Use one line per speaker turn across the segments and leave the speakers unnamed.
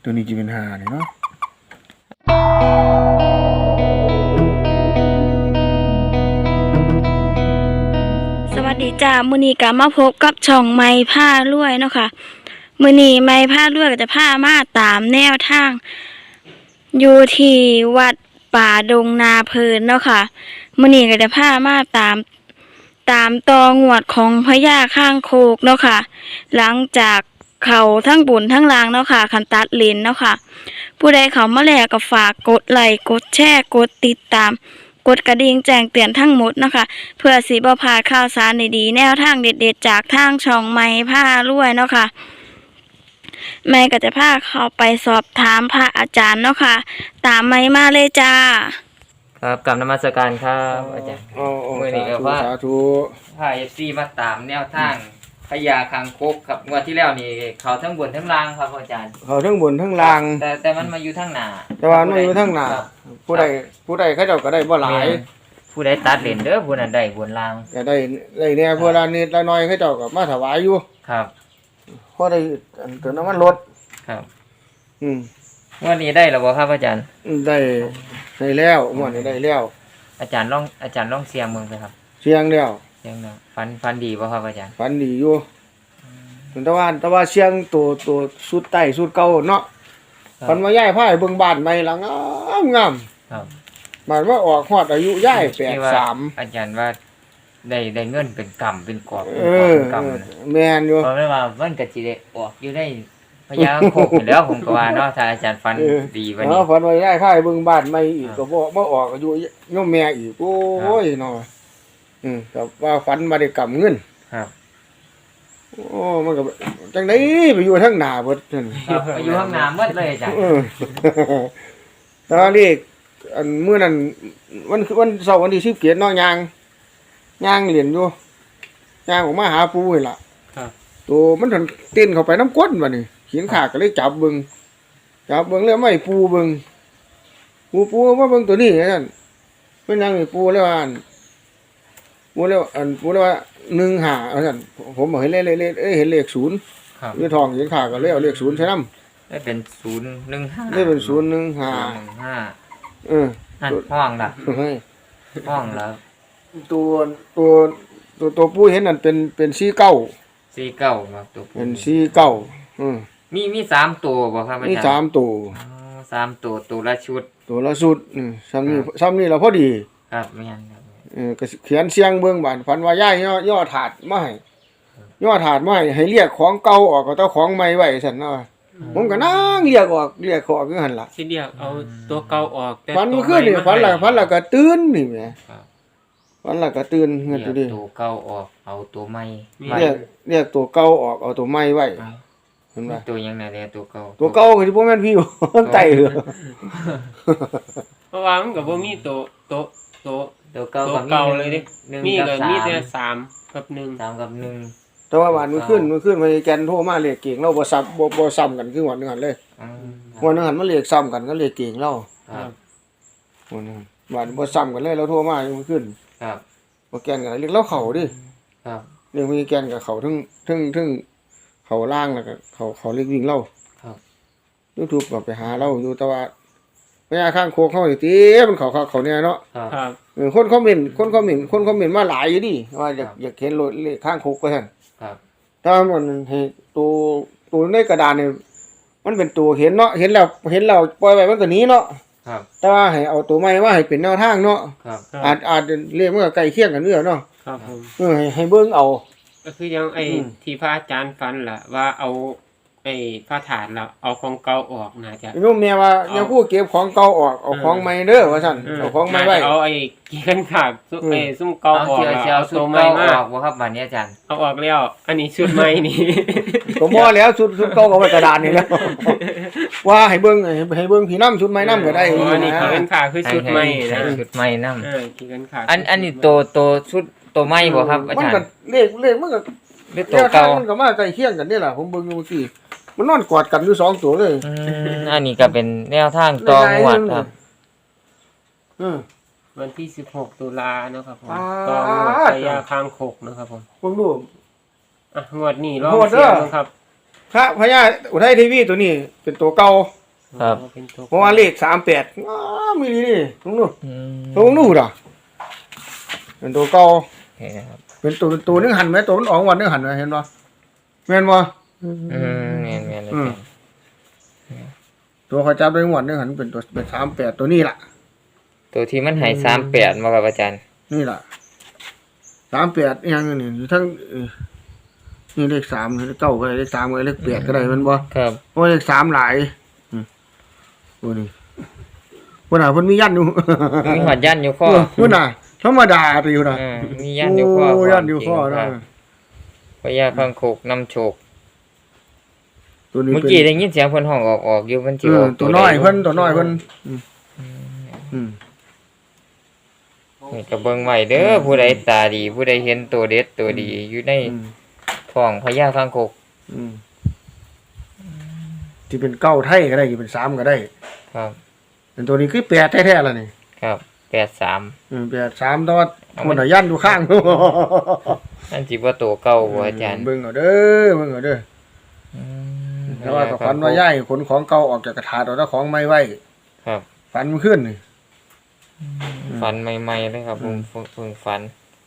ตัวนี้จะเป็นหาเนี่ยเนาะ
สวัสดีจ้ามื้อนี้ก็มาพบกับช่องไม้ผ้ารวยเนาะค่ะมื้อนี้ไม้ผ้ารวยก็จะพามาตามแนวทางอยู่ที่วัดป่าดงนาเพลินเนาะค่ะมื้อนี้ก็จะพามาตามตองวดของพญาข้างโคกเนาะค่ะหลังจากเขาทั้งบุญทั้งลางเนาะค่ะคันตัดเลนเนาะค่ะผู้ใดเขามาแล้วก็ฝากกดไลค์กดแชร์กดติดตามกดกระดิ่งแจ้งเตือนทั้งหมดนะคะเพื่อสิบ่พลาดข่าวสารดีๆแนวทางเด็ดๆจากทางช่องไม้ผ้ารวยเนาะค่ะแม่ก็จะพาเข้าไปสอบถามพระอาจารย์เนาะค่ะตามไม้มาเลยจ้า
ครับกลับนมัสการครับอาจารย์มื้อนี้ก็ว่า
สาธุ
พา FC มาตามแนวทางพญาคางคกครับงวดที่แล้วนี่เขาทั้งบนทั้งล่างครับอาจารย์
เขาทั้งบนทั้งล่าง
แต่มันมาอยู่ทั้งหน้า
แต่ว่ามันอยู่ทั้งหน้าผู้ใดเขาเจ้าก็ได้บ่หลาย
ผู้ใดตัดเลนเด้อผู้นั้นได้บนล่าง
ก็ได้แน่พวกละนิดละน้อยเขาเจ้าก็มาถวายอยู่
ครับ
พอได้ตัวน้ำมันลด
ครับ
ง
วดนี้ได้แล้วบ่ครับอาจารย์
ได้แล้วงวดนี้ได้แล้ว
อาจารย์ลองเสียงเบิ่งไปครับ
เสียงแล้ว
ฟันดีบ่ครับอาจารย์
ฝันดีอยู่แต่ว่าเสียงตัวสุดใต้สุดเก่าเนาะฝันว่าย้ายพาไปเบิ่งบ้านใหม่หลังงาม
ครับ
บ้านว่าออกฮอดอายุย้าย83
อาจารย์ว่าได้เงินเป็นกำเป็นกอบ
เป็นกแม่นอยู่
เพราะว่ามันก็สิได้ออกอยู่ได้พญาโคกอยู่แล้วผมก็ว่าเนาะถ้าอาจารย์ฟันดีวันนี้
ฝันว่าย้ายพาไปเบิ่งบ้านใหม่อีกก็บ่ออกอายุโยมแม่อีกโอ้ยเนาะก็ว่าฝันมาได้กำเงิน
ครับ
โอ้มันก็จังได๋ไปอยู่ทางหน้าเบิดนั่น
ครับไปอยู่ทางหน้าหมดเลยอาจารย์
ตอนนี้อันมื้อนั้นวันเสาร์วันที่17เนาะย่างเล่นอยู่ย่างออกมาหาปูนี่ล่ะ
ครับ
ตัวมันถึงเต้นเข้าไปน้ำก้นบัดนี้หินขาก็เลยจับเบิ่งแล้วไม่ปูเบิ่งปูมาเบิ่งตัวนี้นั่นเพิ่นยังปูแล้วว่าปูแล้วว่า15ว่าซั่นผมบอกเห็นเลขเห็นเลข0
ครับ
อยู่ท้องหินขาก็เลยเอาเลข0ใส่นำ
ได้เป็น015
ได้เป็น015
นั่นห้องล่ะห้องแล้ว
ตัวปูเห็นนั่นเป็น49
ครับตัวปู
เป็น49
มี3ตัวบ่ครับอาจารย์
มี3ตัว
3ตัวละชุด
ซ้ำนี่เราพอดี
ครับแม่นครับ
ก็เขียนเสียงเบิ่งบ้านฝันว่าย้ายย่อถาดมาให้เรียกของเก่าออกก็ต้องของใหม่ไว้ซั่นเนาะผมก็นั่งเรียกออกอยู่หั่นล่ะ
สิเรียกเอาตัวเก่าออก
แต่ฝันเมื่อคืนนี่ฝันแล้วก็ตื่นนี่แหมฝันแล้วก็ตื่นเงินอยู่ดิ
ตัวเก่าออกเอาตัวใหม่
เรียกตัวเก่าออกเอาตัวใหม่ไว้เห็นบ่
ตัวยังไงเนี่ยตัวเก่า
ก็สิบ่แม่นพี่ไต้เหรอ
เพราะว่ามันก็บ่มีตัว
เก่า
เลยดิมีก็มีแต่3กับ1
3กับ1
แต่ว่าวันมื้อคืนพญาแกนโทรมาเรียกเก่งเราบ่ซ้ำกันคือวันนึงหั่นเลยวันนึงหั่นมันเรียกซ้ำกันก็เรียกเก่งเรา
ครับ
วันบ่ซ้ำกันเลยเราโทรมามื้อคืน
ครับ
บ่แกนกันเรียกเราเข้าดิ
ครับ
เรียกพญาแกนกับเขาทึ่งเขาล่างแล้วก็เขาเรียกวิ่งเรา
ครับ
YouTube ก็ไปหาเราอยู่แต่ว่าพญาข้างโคกเขานี่ติมันเขาเนี่ยเนาะ
ครับ
คนคอมเมนต์มาหลายอยู่ดิว่าอยากเห็นรถเลขข้างคุกว่าซั่น
ครับ
ถ้ามันให้ตัวในกระดานนี่มันเป็นตัวเห็นเนาะเห็นแล้วปล่อยไว้มันก็หนีเนาะ
ครับ
แต่ว่าให้เอาตัวใหม่มาให้เป็นแนวทางเนาะ
ครับ
อาจเลขมันก็ใกล้เคียงกันอยู่เนาะ
ครับผม
ให้เบิ่งเอา
ก็คือยังที่พระอาจารย์ฝันล่ะว่าเอาพระถาดแล้วเอาของเก่าออกน่าจะ
โยมแม่ว่าอย่าพูดเก็บของเก่าออกเอาของใหม่เด้อว่าซั่นเอาของใหม่ไว้
เอาเกี่ยนขาดซุ่มเก่าออก
เอาตัวใหม่ออกบ่ครับบัดนี้อาจารย์
เอาออกแล้วอันนี้ชุดใหม่นี่
ก็บ่แล้วชุดเก่าก็ไว้กระดานนี่แล้วว่าให้เบิ่งพี่นำชุดใหม่นำก็ได้
อันนี้เกี่ยนขาคือชุดใหม่นะ
ชุดใหม่นำ
เกี่ยนขา
อันนี้ตัวชุดตัวใหม่บ่ครับอาจารย์
มันก็เลขมันก็
ตัวเก่า
มันก็มาใกล้เคียงกันนี่ล่ะผมเบิ่งอยู่เมื่อกี้มันนอนกอดกันอยู่2ตัวเลย
อันนี้ก็เป็นแนวทางตองวดครับ
วันที่16ตุลานะครับผมตองวดพญาคางคกนะครับผม
ดู
งวดนี้ลองเสียงครับ
พระพญาอุทัยทีวีตัวนี้เป็นตัวเก่า
ครับ
เป็นตัว
เพราะว่าเลข38อ้ามีนี่ลุงดู
อืม
ลุงดูดอ่ะเป็นตัวเก่า
โอเคนะครับ
เป็นตัวนึงหันไหมตัวมันออกวันนึงหันไหมเห็นบ่แม่นบ่
อืมแม่นอาจารย์
ตัวเขาจับได้งวดนึงหันเป็นตัวเป็น38ตัวนี้ล่ะ
ตัวที่มันให้38มาครับอาจารย์
นี่ล่ะ38อีหยังนี่อยู่ทั้งนี่เลข3เลข9ก็ได้เลข3ก็ได้เลข8ก็ได้แมันบ่
ครับ
โอ้เลข3หลายโอ้นี่เพิ่นน่ะเพิ่นมียันอยู่
มีหอดยันอยู่ข้อ
เพิ่นน่ะธรรมดาไปอยู่น่ะ
มียันอยู่ข้อ
โอ้ยันอยู่ข้อ
ค
นะ
รับพญาคังคกนำโชค
ตัวนี้
เมื่อ
เป็น
กี้ได้ยินเสียงเพิ่นห้องออกอยู่มันสิออก
ตัวน้อยเพิ่นตัวน้อยเพิ่น
นี่ก็เบิ่งไว้เด้อผู้ใดตาดีผู้ใดเห็นตัวเด็ดตัวดีอยู่ในท้องพญาคังคก
ที่เป็น9ไทยก็ได้ที่เป็น3ก็ได้
ครับ
เป็นตัวนี้คือ8แท้ๆล่ะนี่
ครับ83
8 3แต่ว่าคนน่ะยันอยู่ข้าง
นั่นสิบ่ตัวเก่าบ่อาจารย์
เบิ่งเอาเด้อเบิ่งเอาเด้อแต่ว่าก็ฝันว่าย้ายขนของเก่าออกจากกระถาดเอาแต่ของใหม่ไว้
ครับ
ฝันเมื่อคืนนี่
ฝันใหม่ๆเลยครับผมเพิ่งฝัน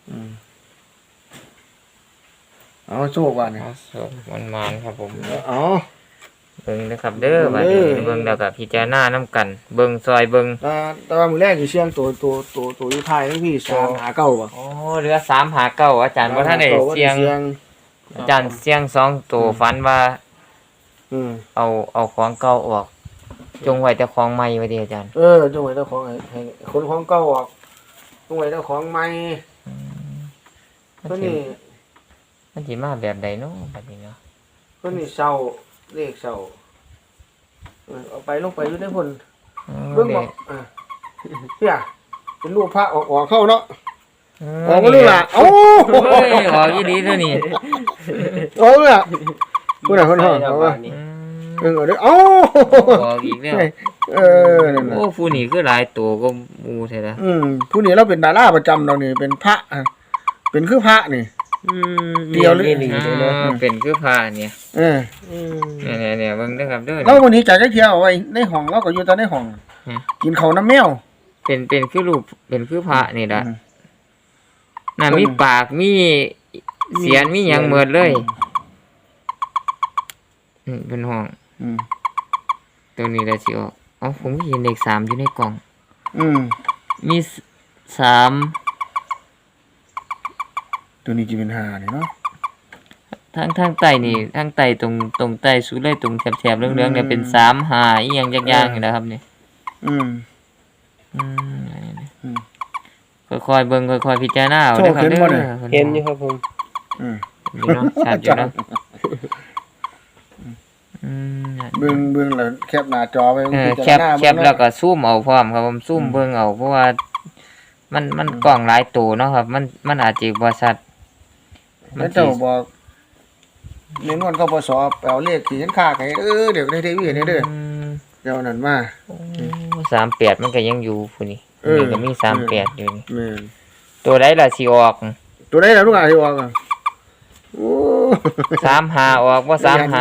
เอาโชคว่านี่
เอาสดมันๆครับผม
เอา
เบิ่งนะครับเด้อบัดนี้เบิ่งแล้วก็พิจารณานํกัน เบิ่งซอยเบิ่ง
แต่ว่ามื้อแรกสิเสียงตัวอยู่ท้ายนี่พี่3หา9บ่
โอ้เหลือ3หา9อาจารย์บ่ทันได้เสียงอาจารย์เสียง2ตัวฝันว่า เอาของเก่าออก จงไว้แต่ของใหม่ไว้ดิอาจารย์
จงไว้แต่ของให้คนของเก่าออกจงไว้แต่ของใหม่ตัวนี้
มันสิมาแบบใดเนาะบัดนี้เนาะ
ตัวนี้เศร้าเลขเศร้าเอาไปลงไปอยู่ในพุ่นเบิ่งบ่เนี่ยเป็นรูปพระออกเข้าเนาะออกบ่รู้ล่ะเอ้า
เฮ้ยออกอีหลีเด้อนี่
ออกล่ะผู้ใดคนห้อง
เอา
เอา
ว่า
ว่า
นี่
เบิ่งเอาเด้อเอ้า
ออกอีกแล้ว
นั่นน่ะ
โอ้ผู้นี่คือหลายตัวก็หมู่แท้ละ
ผู้นี้เราเป็นดาราประจำเรานี่เป็นพระเป็นคือพระนี่ เดียวเลย
นี่
เป็นคือผ้าเนี่ย
เออ
เนี่ยเบิ่งเด้อครับเด้อ
เราวันนี้จ่ายจักเที่ยวเอาไว้ในห้องเราก็อยู่แต่ในห้องกินข้าวน้ำแมว
เป็นคือรูปเป็นคือผ้านี่ล่ะน่ะมีปากมีเสียนมีหยังหมดเลยเป็นห้องตัวนี้ล่ะสิออกอ๋อผมเห็นเลข3อยู่ในกล่อง มี3
ตัวนี้จะเป็น5นี่เนาะ
ทางใต้นี่ทางใต้ตรงใต้สุดเลยตรงแถบๆเหลืองๆเนี่ยเป็น3 5อีหยังจักอย่างนี่นะครับนี่ค่อยๆเบิ่งค่อยๆพิจารณาเอาเด้อครับเด้อ
เห็นอยู่ครับผม
อยู่เนาะชัดอยู่เนาะ
เบิ่งแล้วแคปหน้าจอไว้
แคปแล้วก็ซูมเอาพร้อมครับผมซูมเบิ่งเอาเพราะว่ามันกล้องหลายตัวเนาะครับมันอาจจะบ่ชัด
แล้วเจ้าบอกเน้นวันกปสไปเอาเลขที่เห็นค่าให้เดี๋ยวในทีวีนี่เด้อเดี๋ยวนั้นมา
38มันก็ยังอยู่พุ่นนี่นี่ก็มี38อยู่นี่
แม่น
ตัวใดล่ะสิออก
ตัวใดล่ะลูกอ่ะที่ออกอ่ะโอ้
35ออกบ่35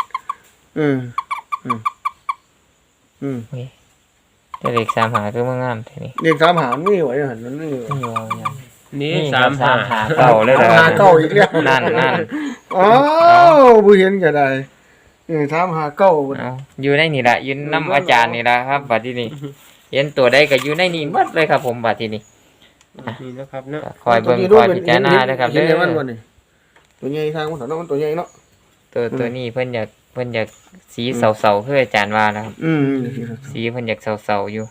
แต่เลข35คือมันงามแท้นี่
เลข3หารมีไว้หั่นมันมี
นี่ว่าอย่าง
นี่
นี่
3
เก่าเลยเหรอ
3 5 9อีกแล้ว
นั่น
อ้าวบ่เห็นก็ได้3 5 9
เอาอยู่ในนี่ล่ะอยู่นํอาจารย์นี่ล่ะครับบัดทีนี้เห็นตัวใดก็อยู่ในนี่หมดเลยครับผมบัดทีนี้
นี่นะครับเนาะ
คอยเบิ่งคอยพิจารณาเด้อครับเด้
เห็นมันบ่
อ
นี่ตัวใหญ่ทางมันเนาะมันตัวใหญ่เนาะ
ตัวนี้เพิ่นอยากสีเสาๆคืออาจารย์ว่านะครับสีเพิ่นอยากเสาๆอยู่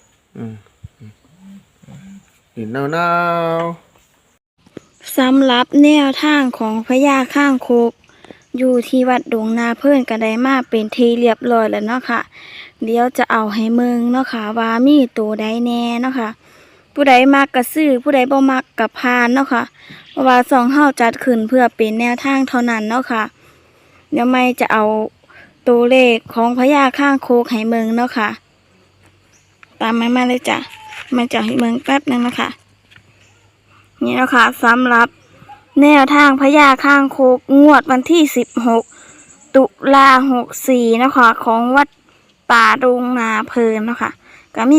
หินหนาว
สำหรับแนวทางของพญาข้างคกอยู่ที่วัดดงนาเพิ่นก็ได้มาเป็นทีเรียบร้อยแล้วเนาะค่ะเดี๋ยวจะเอาให้เมืองเนาะค่ะว่ามีตัวใดแน่เนาะค่ะผู้ใดมักก็ซื้อผู้ใดบ่มักก็ผ่านเนาะค่ะเพราะว่า2เฮาจัดขึ้นเพื่อเป็นแนวทางเท่านั้นเนาะค่ะเดี๋ยวไม่จะเอาตัวเลขของพญาข้างโคกให้เมืองเนาะค่ะตามมาเลยจ้ะมาจะให้เมืองแป๊บนึงนะคะนี่เนาะค่ะสำหรับแนวทางพญาข้างโคกงวดวันที่16 ตุลา64นะคะของวัดป่าดงนาเพลินเนาะค่ะก็มี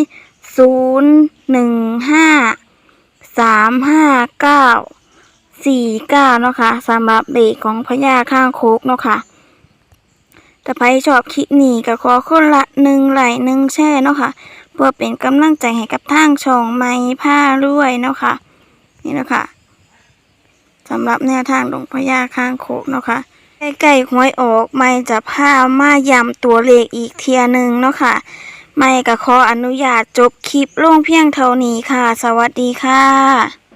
015-359-49เนาะค่ะสำหรับเลขของพญาข้างโคกเนาะค่ะถ้าใครชอบคลิปนี้ก็ขอคนละ1 ไลค์1 แชร์เนาะค่ะเพื่อเป็นกำลังใจให้กับทางช่องไม้ผ้ารวยเนาะค่ะนี่เนาะค่ะสำหรับแนวทางของพญาข้างโคกเนาะค่ะใกล้ๆหวยออกไม่จะพามาย้ำตัวเลขอีกเทียหนึ่งเนาะค่ะไม่ก็ขออนุญาตจบคลิปลงเพียงเท่านี้ค่ะสวัสดีค่ะ